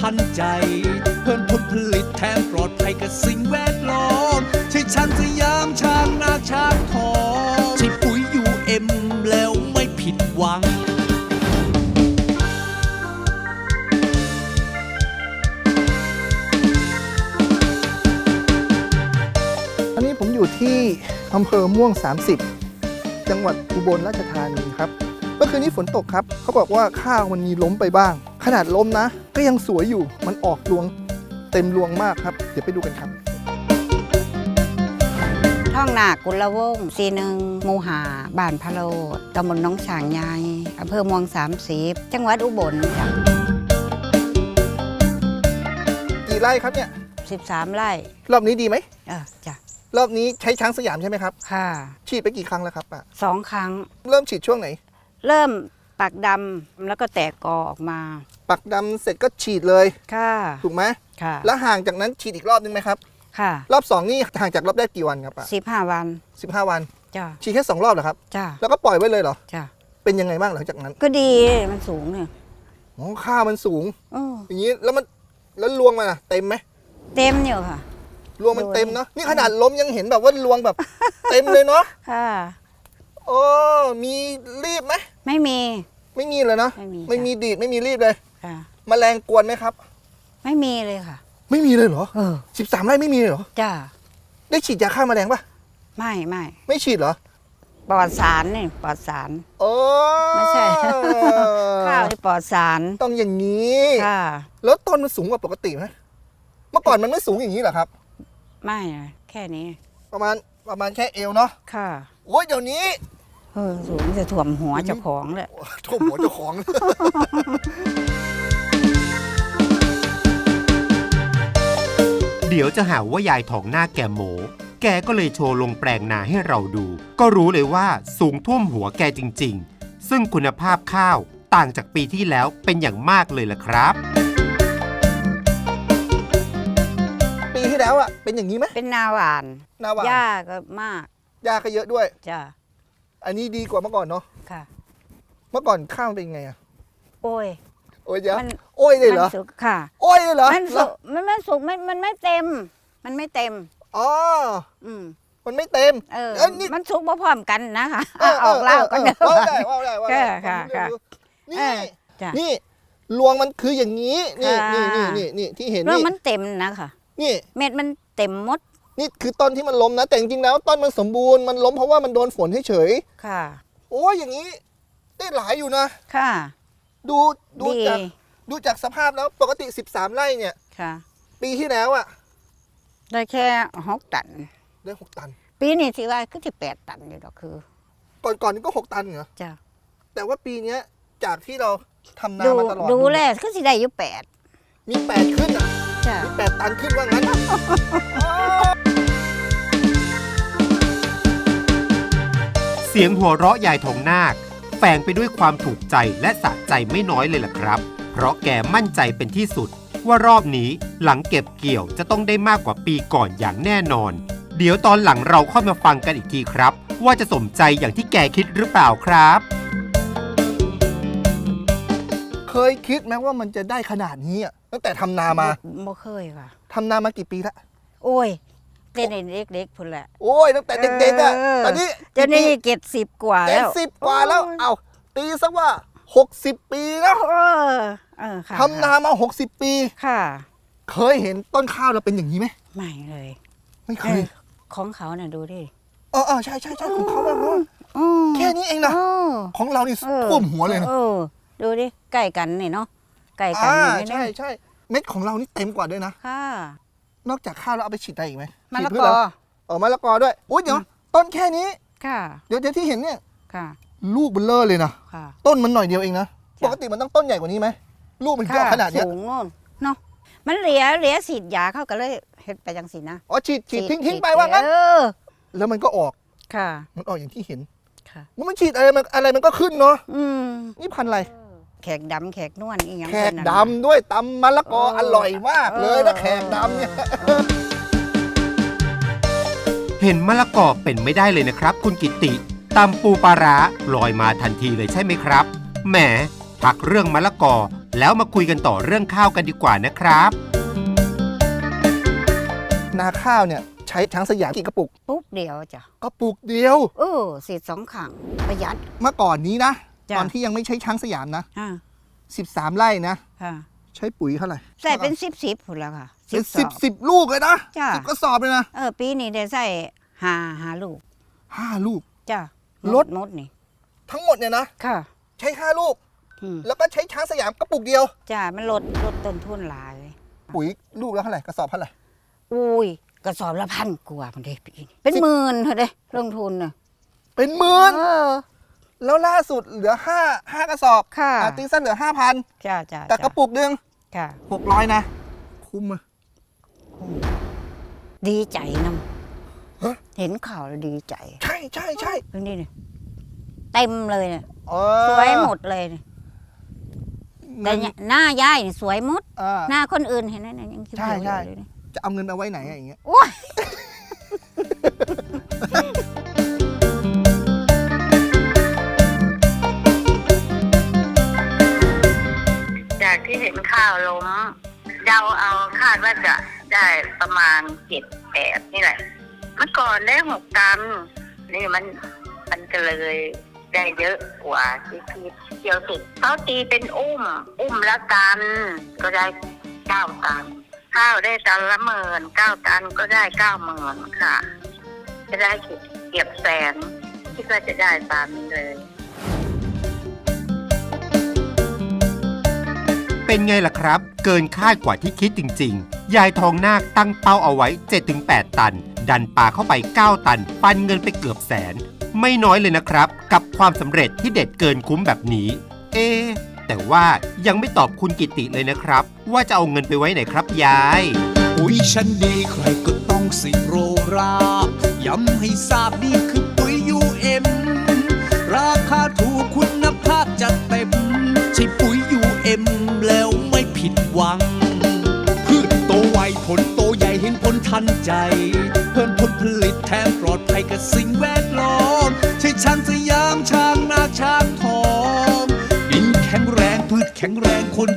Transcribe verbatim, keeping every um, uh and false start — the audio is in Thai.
ทันใจเพิ่มผลผลิตแถมปลอดภัยกับสิ่งแวดล้อมใช่ช้างสยามช้างนาช้างทองใช่ปุ๋ยยูเอ็มแล้วไม่ผิดหวังอันนี้ผมอยู่ที่อำเภอม่วงสามสิบจังหวัดอุบลราชธานีครับเมื่อคืนนี้ฝนตกครับเขาบอกว่าข้าวมันมีล้มไปบ้างขนาดล้มนะก็ยังสวยอยู่มันออกรวงเต็มรวงมากครับเดี๋ยวไปดูกันครับท่องนากุลวงศ์ซีหนึ่งหมู่หาบ้านพะโลดตำบลหนองฉางใหญ่อำเภอม่วงสามสิบจังหวัดอุบลจ้ะกี่ไร่ครับเนี่ยสิบสามไร่รอบนี้ดีไหมเออจ้ะรอบนี้ใช้ช้างสยามใช่ไหมครับค่ะฉีดไปกี่ครั้งแล้วครับป้าสองครั้งเริ่มฉีดช่วงไหนเริ่มปักดำแล้วก็แตกกอออกมาปักดำเสร็จก็ฉีดเลยค่ะถูกไหมค่ะแล้วห่างจากนั้นฉีดอีกรอบนึงไหมครับค่ะรอบสองนี่ห่างจากรอบแรกกี่วันครับป้าสิบห้าวันสิบห้าวันจ้ะฉีดแค่สองรอบเหรอครับจ้ะแล้วก็ปล่อยไว้เลยเหรอจ้ะเป็นยังไงบ้างหลังจากนั้นก็ดีมันสูงเนี่ยโอ้ข้าวมันสูงออย่างนี้แล้วมันแล้วรวงมันอะเต็มไหมเต็มอยู่ค่ะรวงมันเต็มเนาะนี่ขนาดล้มยังเห็นแบบว่ารวงแบบเต็มเลยเนาะค่ะโอ้มีรีบไหมไม่มีไม่มีเลยเนาะไม่มีไม่มีดีดไม่มีรีบเลยค่ะแมลงกวนไหมครับไม่มีเลยค่ะไม่มีเลยเหรอเออสิบสามไร่ไม่มีเลยเหรอจ้าได้ฉีดยาฆ่าแมลงปะไม่ไม่ไม่ฉีดเหรอปลอดสารนี่ปลอดสารโอ้ไม่ใช่ ข้าวที่ปลอดสารต้องอย่างนี้ค่ะแล้วต้นมันสูงกว่าปกติไหมเมื่อก่อนมันไม่สูงอย่างนี้เหรอครับไม่แค่นี้ประมาณประมาณแค่เอวเนาะค่ะโอ้ยเดี๋ยวนี้เออสูงจะถ่วมหัวเจ้าของเลยถ่วมหัวเจ้าของเดี๋ยวจะหาว่ายายทองหน้าแกโมแกก็เลยโชว์ลงแปลงนาให้เราดู ก็รู้เลยว่าสูงท่วมหัวแกจริงๆซึ่งคุณภาพข้าวต่างจากปีที่แล้วเป็นอย่างมากเลยล่ะครับปีที่แล้วอ่ะเป็นอย่างนี้ไหมเป็นนาหวานนาหวานหญ้าก็มากหญ้าก็เยอะด้วยจ้ะอันนี้ดีกว่าเมื่อก่อนเนาะค่ะเมื่อก่อนข้าวเป็นไงอ่ะโอ้ยโอ้ยเยอะโอ้ยเลยเหรอค่ะโอ้ยเลยเหรอมันสุกมันไม่สุกมันมันไม่เต็มมันไม่เต็มอ๋ออืมมันไม่เต็มเออมันสุกพร้อมกันนะคะออกเล่าก็เดิมว่าได้ว่าได้ว่าได้ค่ะค่ะนี่นี่รวงมันคืออย่างนี้นี่นี่นี่นี่นี่ที่เห็นนี่รวงมันเต็มนะคะนี่เม็ดมันเต็มหมดนี่คือต้นที่มันล้มนะแต่จริงๆแล้วต้นมันสมบูรณ์มันล้มเพราะว่ามันโดนฝนเฉยๆค่ะโอ้ยอย่างนี้ได้หลายอยู่นะค่ะดูดูจากดูจากสภาพแล้วปกติสิบสามไร่เนี่ยค่ะปีที่แล้วอ่ะได้แค่หกตันได้หกตันปีนี้สิว่าก็จะแปดตันอยู่ดอกคือก่อนก่อนนี้ก็หกตันเหรอจ้ะแต่ว่าปีนี้จากที่เราทำนามาตลอดดูแลก็สิได้อยู่แปดมีแปดขึ้นอ่ะจ้ะมีแปดตันขึ้นว่างั้นเสียงหัวเราะยายทองนาคแฝงไปด้วยความถูกใจและสะใจไม่น้อยเลยล่ะครับเพราะแกมั่นใจเป็นที่สุดว่ารอบนี้หลังเก็บเกี่ยวจะต้องได้มากกว่าปีก่อนอย่างแน่นอนเดี๋ยวตอนหลังเราค่อยมาฟังกันอีกทีครับว่าจะสมใจอย่างที่แกคิดหรือเปล่าครับเคยคิดไหมว่ามันจะได้ขนาดนี้อ่ะตั้งแต่ทำนามาไม่เคยค่ะทำนามากี่ปีละโอ้ยเด็กเด็กๆพุ่นแหละโอ้ยตั้งแต่เด็กๆอ่ะตอนนี้เดี๋ยวนี้เจ็ดสิบกว่าแล้วเจ็ดสิบกว่าแล้วเอาตีซะว่าหกสิบปีแล้วทำนามาหกสิบปีค่ะเคยเห็นต้นข้าวเราเป็นอย่างนี้ไหมไม่เลยไม่เคยของเขาเนี่ยดูดิเออเออใช่ใช่ใช่ของเขาแบบว่าแค่นี้เองนะของเรานี่ท่วมหัวเลยนะดูดิใกล้กันนี่เนาะใกล้กันนี่ใช่ใช่เม็ดของเรานี่เต็มกว่าด้วยนะค่ะนอกจากข้าวแล้วเอาไปฉีดได้อีกไหมมะละกอเออมะละกอด้วยอุ้ยเดี๋ยวต้นแค่นี้ค่ะเดี๋ยวเดี๋ยวที่เห็นเนี่ยค่ะลูกเบลเลอร์เลยนะต้นมันหน่อยเดียวเองนะปกติมันต้องต้นใหญ่กว่านี้ไหมลูกมันยาวขนาดนี้สูงโน่นเนาะมันเหลียเหลียฉีดยาเข้ากันเลยเห็ดไปจังสินะอ๋อฉีดฉีดทิ้งทิ้งไปว่างั้นแล้วมันก็ออกค่ะมันออกอย่างที่เห็นค่ะมันฉีดอะไรมันอะไรมันก็ขึ้นเนาะอืมนี่พันอะไรแขกดำแขกนวลอีกอย่างแขกดำด้วยตำมะละกออร่อยมากเลยนะแขกดำเนี่ยเห็นมะละกอเป็นไม่ได้เลยนะครับคุณกิติตำปูปลาร้าลอยมาทันทีเลยใช่ไหมครับแหมพักเรื่องมะละกอแล้วมาคุยกันต่อเรื่องข้าวกันดีกว่านะครับนาข้าวเนี่ยใช้ช้างสยามกี่กระปุกปุ๊บเดียวจ้ะกระปุกเดียวเออสีดสองขังประหยัดเมื่อก่อนนี้นะจ้ะตอนที่ยังไม่ใช้ช้างสยามนะอ่าสิบสามไร่นะค่ะใช้ปุ๋ยเท่าไหร่ใส่เป็นสิบสิบผุนแล้วค่ะเป็นสสิอบบ สิบลูกเลยนะจ้ะสิบกระสอบเลยนะเออปีนี้ได้ใส่หาหาลูกห้าลูกจ้ะลดมดนี่ทั้งหมดเนี่ยนะค่ะใช้ห้าลูกอืมแล้วก็ใช้ช้างสยามกระปุกเดียวจ้ะมันลดลดต้นทุนหลายปุ๋ยลูกแล้วเท่าไหร่กระสอบเท่าไหร่อุ้ยกระสอบละพันกว่ามันได้ปีนี้เป็นหมื่นเถอะเด้ลงทุนน่ะเป็นหมื่นเออแล้วล่าสุดเหลือห้าห้ากระสอบค่ะอ่ตีสั้นเหลือห้าพันจ้ะจ้ะแต่กระปุกหนึ่งค่ะหกร้อยนะ คุ้มอะดีใจนฮะำเห็นข่าวแล้วดีใจใช่ใช่ใช่ตรงนี้เนี่ยเต็มเลยเนี่ยเออสวยหมดเลยเนี่ยเงิแต่นเนี่ยหน้ายายนี่สวยหมดอ่าหน้าคนอื่นเห็นไหมเนี่ยยังเขียวใช่ๆใช่อยู่เลยเนี่ยจะเอาเงินเอาไว้ไหนอะอย่างเงี้ยโอ้ยจากที่เห็นข้าวล้มเดาเอาคาดว่าจะได้ประมาณเจ็ดแปดนี่แหละ เมื่อก่อนได้หกตันนี่มันมันก็เลยได้เยอะกว่าที่คิดเกี่ยวสุดเขาตีเป็นอุ้ม อุ้มละตันก็ได้เก้าตัน ข้าวได้ตันละหมื่นเก้าตันก็ได้เก้าหมื่นค่ะ จะได้เก็บแสนคิดว่าจะได้ตามนี้เลยเป็นไงล่ะครับ เกินคาดกว่าที่คิดจริงๆ ยายทองนาคตั้งเป้าเอาไว้ เจ็ดถึงแปด ตัน ดันปลาเข้าไป เก้า ตัน ปันเงินไปเกือบแสน ไม่น้อยเลยนะครับ กับความสำเร็จที่เด็ดเกินคุ้มแบบนี้ เอ๊ะแต่ว่ายังไม่ตอบคุณกิติเลยนะครับ ว่าจะเอาเงินไปไว้ไหนครับยายปุ๋ยชั้นดีใครก็ต้องสิโรราย้ำให้ทราบนี่คือปุ๋ย ยู เอ็ม ราคาถูกคุณภาพจัดเต็มใช่ปุ๋ย ยู เอ็ม แล้วไม่ผิดหวัง พืชโตไวผลโตใหญ่เห็นผลทันใจ เพิ่มผลผลิตแถมปลอดภัยกับสิ่งแวดล้อมใช่ช้างสยามช้างนาช้างทองดินแข็งแรงพืชแข็งแรงคน